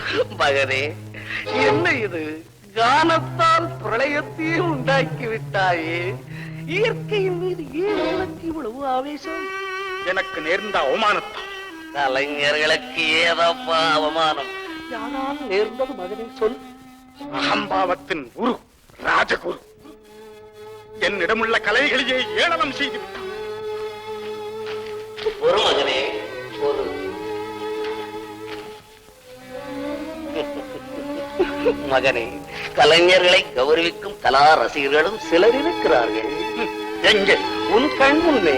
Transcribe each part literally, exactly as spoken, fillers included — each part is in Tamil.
மகனே, என்ன இது? கானத்தால் பிரளயத்தையே உண்டாக்கி விட்டாயே. இயற்கையின் மீது ஏன் உனக்கு இவ்வளவு ஆவேசம்? எனக்கு நேர்ந்த அவமானத்தால். கலைஞர்களுக்கு ஏதப்பா அவமானம்? யாரால் நேர்ந்தது மகனே, சொல். அகம்பாவத்தின் குரு ராஜகுரு என்னிடமுள்ள கலைகளையே ஏளனம் செய்து விட்டான். ஒரு மகனே, ஒரு மகனே, கலைஞர்களை கௌரவிக்கும் கலா ரசிகர்களும் சிலர் இருக்கிறார்கள். எங்கே? உன் கண் முன்னே.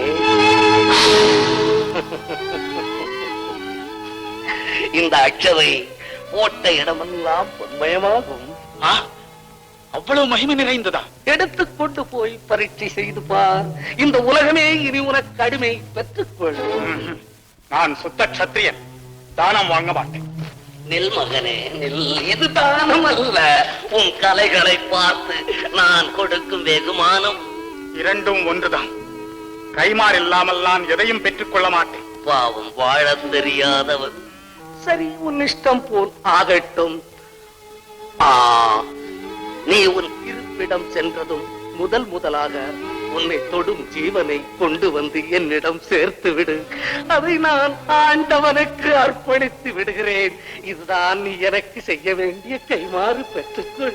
இந்த அச்சதை போட்ட இடமெல்லாம் பொன்மயமாகும். அவ்வளவு மகிமை நிறைந்ததா? எடுத்துக்கொண்டு போய் பரீட்சை செய்து பார். இந்த உலகமே இனி உனக்கு அடிமை. பெற்றுக்கொள். நான் சுத்த க்ஷத்திரியன், தானம் வாங்க மாட்டேன். நில் மகனே, நில். இது தானம் அல்ல, உன் கலைகளை பார்த்து நான் கொடுக்கும் வெகுமானம். இரண்டும் ஒன்றுதான். கைமாறு இல்லாமல் நான் எதையும் பெற்றுக் கொள்ள மாட்டேன். பாவம், வாழ தெரியாதவன். சரி, உன் இஷ்டம் போல் ஆகட்டும். ஆ, நீ உன் இருப்பிடம் சென்றதும் முதல் முதலாக உன்னை தொடும் ஜீவனை கொண்டு வந்து என்னிடம் சேர்த்து விடு. அதை நான் ஆண்டவனுக்கு அர்ப்பணித்து விடுகிறேன். இதுதான் நீ எனக்கு செய்ய வேண்டிய கைமாறு. பெற்றுக்கொள்.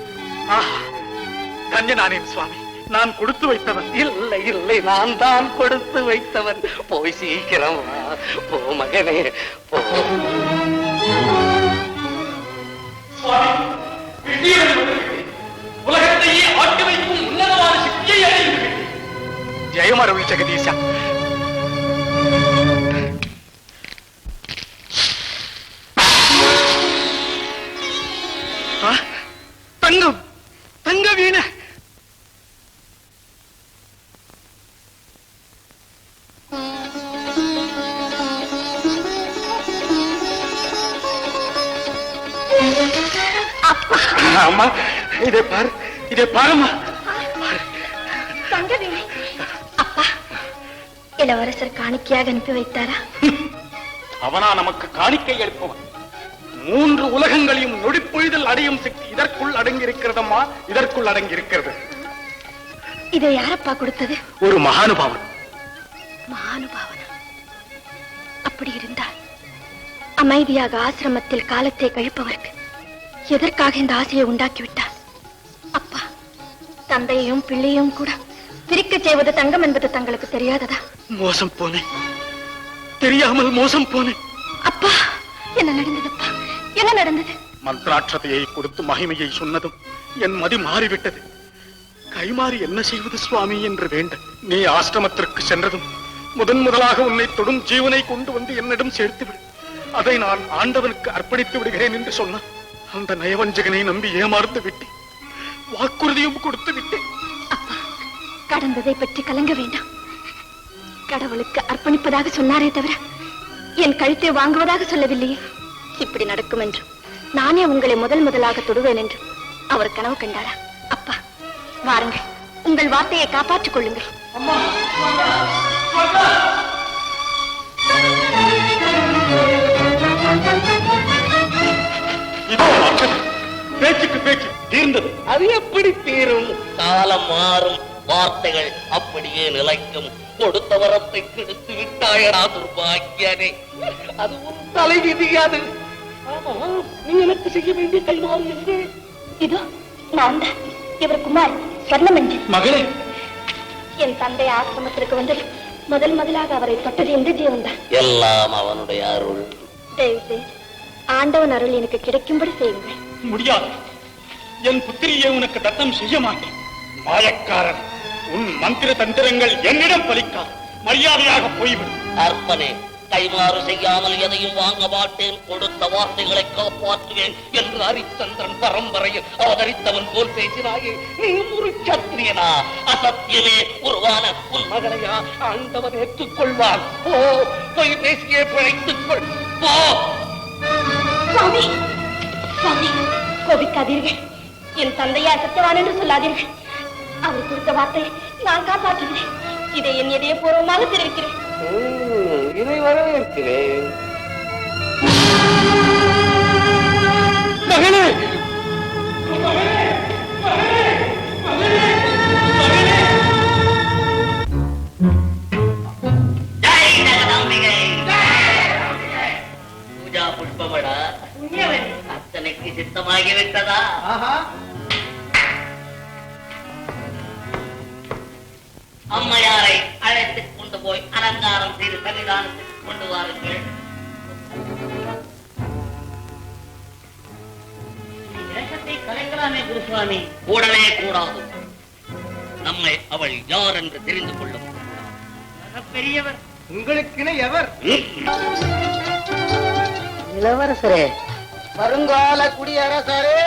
கஞ்சனானேன் சுவாமி, நான் கொடுத்து வைத்தவன். இல்லை இல்லை, நான் தான் கொடுத்து வைத்தவன். போய் சீக்கிரம் வா. போ மகனே, போ. உலகத்தையே ஆட்டி வைக்கும் உன்னதமான சக்தியை அடைந்து ஜெயமருள் ஜெகதீசா. தங்கம், தங்க வீண. அம்மா, இதை பாரு, இதை பாருமா. தங்கவேணி, அப்பா இளவரசர் காணிக்கையாக அனுப்பி வைத்தாரா? அவனா நமக்கு காணிக்கை அளிப்பவன்? மூன்று உலகங்களையும் நொடிப்பொழுதில் அடையும் சக்தி இதற்குள் அடங்கி இருக்கிறதம்மா, இதற்குள் அடங்கி இருக்கிறது. இதை யாரப்பா கொடுத்தது? ஒரு மகானுபாவன். மகானுபாவனா? அப்படி இருந்தால் அமைதியாக ஆசிரமத்தில் காலத்தை கழிப்பவருக்கு எதற்காக இந்த ஆசையை உண்டாக்கிவிட்டார்? அப்பா, தந்தையையும் பிள்ளையும் கூட பிரிக்க செய்வது தங்கம் என்பது தங்களுக்கு தெரியாததா? மோசம் போனேன், தெரியாமல் மோசம் போனேன். அப்பா, என்ன நடந்ததுப்பா? என்ன நடந்தது? மந்திராட்சதையை கொடுத்து மகிமையை சொன்னதும் என் மதி மாறிவிட்டது. கைமாறி என்ன செய்வது சுவாமி என்று வேண்ட நீ ஆசிரமத்திற்கு சென்றதும் முதன் முதலாக உன்னை தொடும் ஜீவனை கொண்டு வந்து என்னிடம் சேர்த்து விடு. அதை நான் ஆண்டவனுக்கு அர்ப்பணித்து விடுகிறேன் என்று சொன்னான். அந்த நயவஞ்சகனை நம்பி ஏமாறுத்து விட்டேன். வாக்குறுதியும் கொடுத்து விட்டேன். அப்பா, கடந்ததை பற்றி கலங்க வேண்டாம். கடவுளுக்கு அர்ப்பணிப்பதாக சொன்னாரே தவிர என் கழுத்தை வாங்குவதாக சொல்லவில்லையே. இப்படி நடக்கும் என்றும் நானே உங்களை முதல் முதலாக தொடுவேன் என்று அவர் கனவு கண்டாரா? அப்பா, வாருங்கள், உங்கள் வார்த்தையை காப்பாற்றிக் கொள்ளுங்கள். பேச்சுக்கு பேச்சு தீர்ந்தது. அது எப்படி தீரும்? காலம் மாறும், வார்த்தைகள் அப்படியே நிலைக்கும். கொடுத்த வரத்தை கெடுத்து விட்டாயடா துர்பாக்கியனே. அது ஒரு தலை விதியாது. ஆமா, நீ எனக்கு செய்ய வேண்டிய கைமாறு என்று. இதோ நான் தான் இவர் குமார் சொர்ணம் என்று. மகளே, என் தந்தை ஆசிரமத்திற்கு வந்தது முதல் முதலாக அவரை தொட்டது எந்த ஜீவன் தான். எல்லாம் அவனுடைய அருள். தயவு ஆண்டவன் அருள் எனக்கு கிடைக்கும்படி செய்யுங்கள். முடியாது. என் புத்திரியை உனக்கு தத்தம் செய்ய மாட்டேன். மாயக்காரன், உன் மந்திர தந்திரங்கள் என்னிடம் பலிக்காது. மரியாதையாக போய்விடும். அர்ப்பனே, கைமாறு செய்யாமல் எதையும் வாங்க மாட்டேன். கொடுத்த வார்த்தைகளை காப்பாற்றுவேன் என்று ஹரிச்சந்திரன் பரம்பரையில் அவதரித்தவன் போல் பேசினாயே. நீ ஒரு சத்திரியனா? அசத்தியமே உருவான உன் மகளையா ஆண்டவன் ஏற்றுக்கொள்வான்? ஓ, போய் பேசியே பிழைத்துக் கொள். போ. சுவாமி, சுவாமி, கோபிக்காதீர்கள். என் தந்தையா சத்தியவான் என்று சொல்லாதீர்கள். அவர் கொடுத்த வார்த்தையை நான் காப்பாற்றுகிறேன். இதை என் இதய பூர்வமாக தெரிவிக்கிறேன். இதை வரவேற்கிறேன். சித்தமாகிவிட்டதா? அம்மையாரை அழைத்துக் கொண்டு போய் அலங்காரம் செய்து சன்னிதானத்துக்கு கொண்டு வாருங்கள். வேஷத்தை கலைக்கலாமே குருசுவாமி. கூடவே கூடாது. நம்மை அவள் யார் என்று தெரிந்து கொள்ளும். பெரியவர் உங்களுக்கு எவர்? இளவரசரே, வருங்கால குடியரசரே.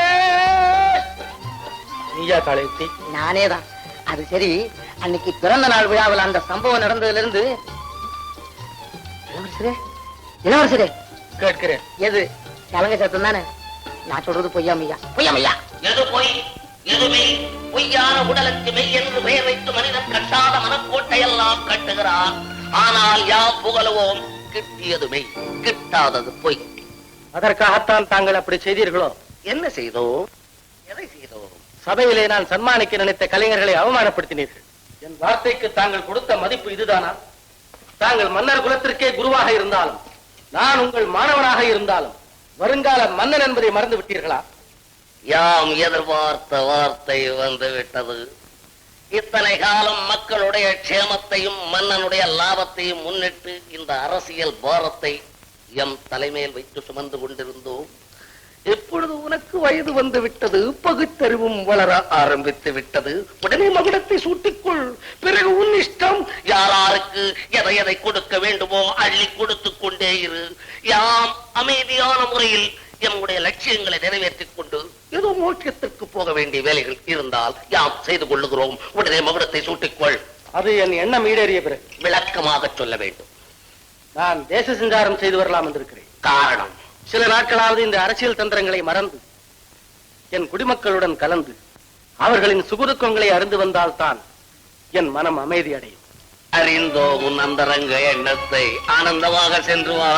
நீயா காளையத்தி? நானேதான். அது சரி, அன்னைக்கு பிறந்த நாள் விழாவில் அந்த சம்பவம் நடந்ததுல இருந்து இளவரசரே இளவரசரே கேட்கிறேன். எது கலங்க சத்தம் தானே? நான் சொல்றது பொய்யாமையா? பொய்யாமையா? எது பொய் எது மெய்? பொய்யான உடலுக்கு மெய் என்று பெயர் வைத்து மனிதன் கட்டாத மனக்கோட்டையெல்லாம் கட்டுகிறான். ஆனால் யாம் புகழுவோம், கிட்டியது மெய், கிட்டாதது பொய். அதற்காகத்தான் தாங்கள் அப்படி செய்தீர்களோ? என்ன செய்தோம்? எதை செய்தோம்? சபையிலே நான் சன்மானிக்க நினைத்த கலைஞர்களை அவமானப்படுத்தினீர்கள். என் வார்த்தைக்கு தாங்கள் கொடுத்த மதிப்பு இதுதானா? தாங்கள் மன்னர் குலத்திற்கே குருவாக இருந்தாலும், நான் உங்கள் மாணவனாக இருந்தாலும் வருங்கால மன்னன் என்பதை மறந்து விட்டீர்களா? யாம் எதிர்பார்த்த வார்த்தை வந்து விட்டது. இத்தனை காலம் மக்களுடைய க்ஷேமத்தையும் மன்னனுடைய லாபத்தையும் முன்னிட்டு இந்த அரசியல் பாரத்தை எம் தலைமையில் வைத்து சுமந்து கொண்டிருந்தோம். எப்பொழுது உனக்கு வயது வந்து விட்டது, பகுத்தறிவும் வளர ஆரம்பித்து விட்டது, உடனே மகுடத்தை சூட்டிக்கொள். பிறகு உன் இஷ்டம். யாராருக்கு எதை எதை கொடுக்க வேண்டுமோ அள்ளி கொடுத்துக் கொண்டே இரு. யாம் அமைதியான முறையில் எம்முடைய லட்சியங்களை நிறைவேற்றிக் கொண்டு ஏதோ மோட்சத்திற்கு போக வேண்டிய வேலைகள் இருந்தால் யாம் செய்து கொள்ளுகிறோம். உடனே மகுடத்தை சூட்டிக்கொள். அது என் எண்ணம் ஈடேறிய பிறகு விளக்கமாக சொல்ல வேண்டும். நான் தேச சஞ்சாரம் செய்து வரலாம் என்றிருக்கிறேன். காரணம், சில நாட்களாவது இந்த அரசியல் தந்திரங்களை மறந்து என் குடிமக்களுடன் கலந்து அவர்களின் சுகுதுக்கங்களை அறிந்து வந்தால்தான் என் மனம் அமைதி அடையும். அறிந்தோ உன் அந்தரங்க எண்ணத்தை. ஆனந்தமாக சென்று வா.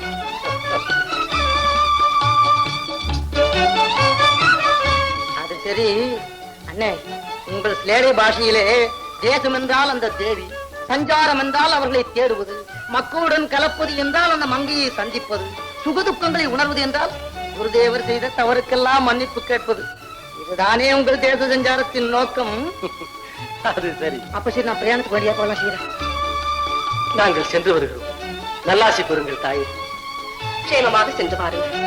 அது சரி அண்ணே, உங்கள் ஸ்லேடை பாஷையிலே தேசம் என்றால் அந்த தேவி, சஞ்சாரம் என்றால் அவர்களை தேடுவது, மக்களுடன் கலப்பது என்றால் அந்த மங்கையை சந்திப்பது, சுகதுக்கங்களை உணர்வது என்றால் குருதேவர் செய்த தவறுக்கெல்லாம் மன்னிப்பு கேட்பது. இதுதானே உங்கள் தேச சஞ்சாரத்தின் நோக்கம்? அது சரி. அப்ப சரி, நான் பிரயாணத்துக்கு வழியா போலாம் செய்யறேன். நாங்கள் சென்று வருகிறோம். நல்லாசி கூறுங்கள் தாயே. க்ஷேமமாக சென்று பாருங்கள்.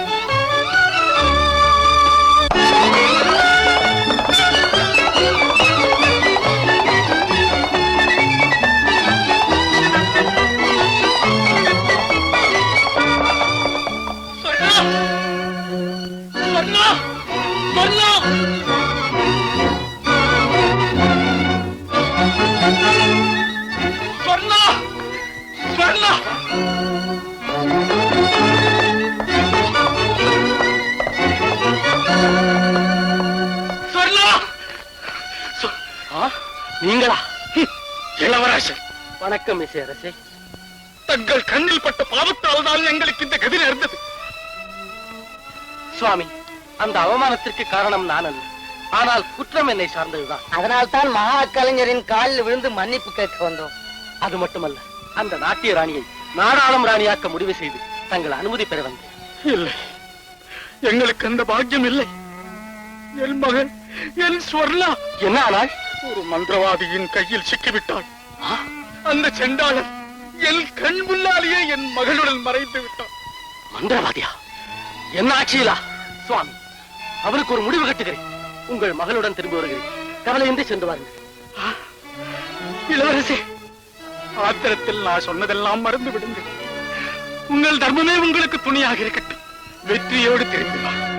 நீங்களா? இளவரசர் வணக்கம். இசை அரசே, தங்கள் கண்ணில் பட்ட பாவத்தால் தான் எங்களுக்கு இந்த கதி நேர்ந்தது. சுவாமி, அந்த அவமானத்திற்கு காரணம் நான் அல்ல, ஆனால் குற்றம் என்னை சார்ந்ததுதான். அதனால் தான் மகா கலைஞரின் காலில் விழுந்து மன்னிப்பு கேட்க வந்தோம். அது மட்டுமல்ல, அந்த நாட்டிய ராணியை நாடாளும் ராணியாக்க முடிவு செய்து தங்கள் அனுமதி பெற வந்தேன். இல்லை, எங்களுக்கு அந்த பாக்கியம் இல்லை. என் மகன், என் ஸ்வர்ணா என்ன ஆனால் ஒரு மந்திரவாதியின் கையில் சிக்கிவிட்டாள். அந்த செண்டாளன் என் கண் முன்னாலேயே என் மகளுடன் மறைந்து விட்டான். மந்திரவாதியா? என்ன ஆட்சியிலா? சுவாமி, அவருக்கு ஒரு முடிவு கட்டுகிறேன். உங்கள் மகளுடன் திரும்பி வருகிறேன். கவலையின்றி சென்று வாருங்கள். இளவரசே, ஆத்திரத்தில் நான் சொன்னதெல்லாம் மறந்து விடுங்கள். உங்கள் தர்மமே உங்களுக்கு துணியாக இருக்கட்டும். வெற்றியோடு திரும்பி வா.